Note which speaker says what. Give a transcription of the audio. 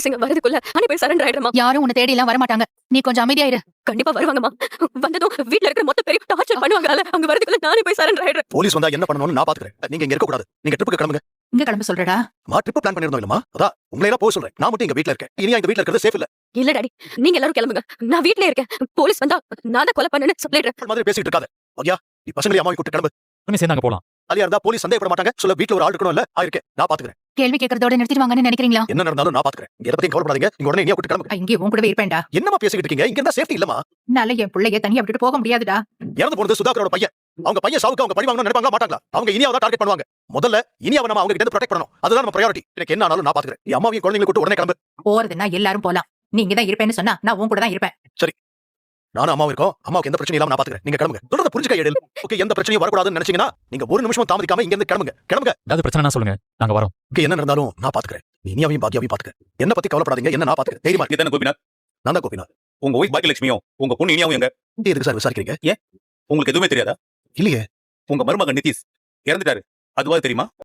Speaker 1: போலீஸுங்க வரதுக்குள்ள நானே போய் சரண்டர் ஆயிடுறேம்மா.
Speaker 2: யாரும் உன்னை தேடி எல்லாம் வரமாட்டாங்க. நீ கொஞ்சம் அமைதியாயிரு.
Speaker 1: கண்டிப்பா வருவாங்கம்மா. வந்ததும் வீட்ல இருக்கிற மொத்த பேரையும் டார்ச்சர் பண்ணுவாங்கல்ல. அவங்க வரதுக்குள்ள நானே போய் சரண்டர் ஆயிடுறேன்.
Speaker 3: போலீஸ் வந்தா என்ன பண்ணணும்னு நான் பாத்துக்கிறேன். நீங்க இங்க இருக்க கூடாது. நீங்க ட்ரிப்புக்கு கிளம்புங்க.
Speaker 2: இங்க கிளம்ப சொல்றடா.
Speaker 3: ட்ரிப் பிளான் பண்ணிருந்தோம் இல்லமா? அதான் உங்களை எல்லாம் போக சொல்றேன். நான் மட்டும் இங்க வீட்ல இருக்கேன். இனியா இந்த வீட்ல இருக்கிறது சேஃப் இல்ல.
Speaker 1: இல்ல டாடி, நீங்க எல்லாரும் கிளம்புங்க. நான் வீட்லயே இருக்கேன். போலீஸ் வந்தா நான் தான் கொலை பண்ணேன்னு சொல்லிடுறேன்.
Speaker 3: மாதிரி பேசிட்டு இருக்காத. ஓகே, நீ பசங்களை அம்மாவை கூட்டி கிளம்பு.
Speaker 4: சேர்ந்தாங்க போலாம்.
Speaker 3: அலியா இருந்தா போலீஸ் சந்தேகப்பட மாட்டாங்க. சொல்ல வீட்ல ஒரு ஆள் இருக்கணும் இல்ல? ஆயிருக்கேன். நான் பாத்துக்கிறேன்.
Speaker 2: கேள்வி கேட்கறதோட நிறுத்திடுவாங்கன்னு நினைக்கிறீங்களா?
Speaker 3: என்ன நடந்தாலும் நான் பாத்துக்கிறேன். இங்க எதை பத்தியும் கவலைப்படாதீங்க. நீங்க உடனே இனியா கூட்டி கிளம்புங்க.
Speaker 2: இங்கே உன் கூடவே இருப்பேன்டா.
Speaker 3: என்னமா பேசிக்கிட்டு இருக்கீங்க? இங்க இருந்தா சேஃப்டி இல்லமா?
Speaker 2: நல்ல என் பிள்ளைய தனியா விட்டுட்டு போக முடியாதுடா.
Speaker 3: இறந்து போனது சுதாகரோட பையன். அவங்க பையன் சாவுக்கு அவங்க பழி வாங்கணும்னு நினைப்பாங்களா மாட்டாங்களா? அவங்க இனியாவை தான் டார்கெட் பண்ணுவாங்க. முதல்ல இனியாவை நம்ம அவங்க கிட்ட இருந்து ப்ரொடெக்ட் பண்ணணும். அதுதான் நம்ம பிரையாரிட்டி. எனக்கு என்ன ஆனாலும் நான் பாத்துக்கிறேன். என் அம்மாவையும் குழந்தைகளை கூட்டி உடனே கிளம்பு.
Speaker 2: போறதுன்னா எல்லாரும் போலாம். நீ இங்க தான் இருப்பேன்னு சொன்னா நான் உன் கூட தான் இருப்பேன்.
Speaker 3: சரி, நானும் அம்மாவும் இருக்கோம். அம்மாவுக்கு எந்த பிரச்சனையும் இல்லாம நான் பாத்துக்கிறேன். நீங்க கிளம்புங்க. தொடர்ந்து புரிஞ்சுக்க எழில். ஓகே, எந்த பிரச்சனையும் வரக்கூடாதுன்னு நினைச்சீங்கன்னா நீங்க ஒரு நிமிஷம் தாமதிக்காம இங்க இருந்து கிளம்புங்க. கிளம்புங்க.
Speaker 4: ஏதாவது பிரச்சனை சொல்லுங்க, நாங்க வரோம்.
Speaker 3: ஓகே, என்ன நடந்தாலும் நான் பாத்துக்கிறேன். இனியாவையும் பாக்கியாவையும் பாத்துக்கிறேன். என்ன பத்தி கவலைப்படாதீங்க. என்ன நான் பாத்துக்கிறேன். தைரியமா
Speaker 5: நீ தானே கோபிநாத்?
Speaker 3: நான் தான் கோபிநாத்.
Speaker 5: உங்க ஒய்ஃப் பாக்கியலட்சுமியும் உங்க பொண்ணு இனியாவும் எங்க?
Speaker 3: எதுக்கு சார் விசாரிக்கிறீங்க?
Speaker 5: உங்களுக்கு எதுவுமே தெரியாதா?
Speaker 3: இல்லையே.
Speaker 5: உங்க மருமகன் நிதிஷ் இறந்துட்டாரு. அதுவா தெரியுமா?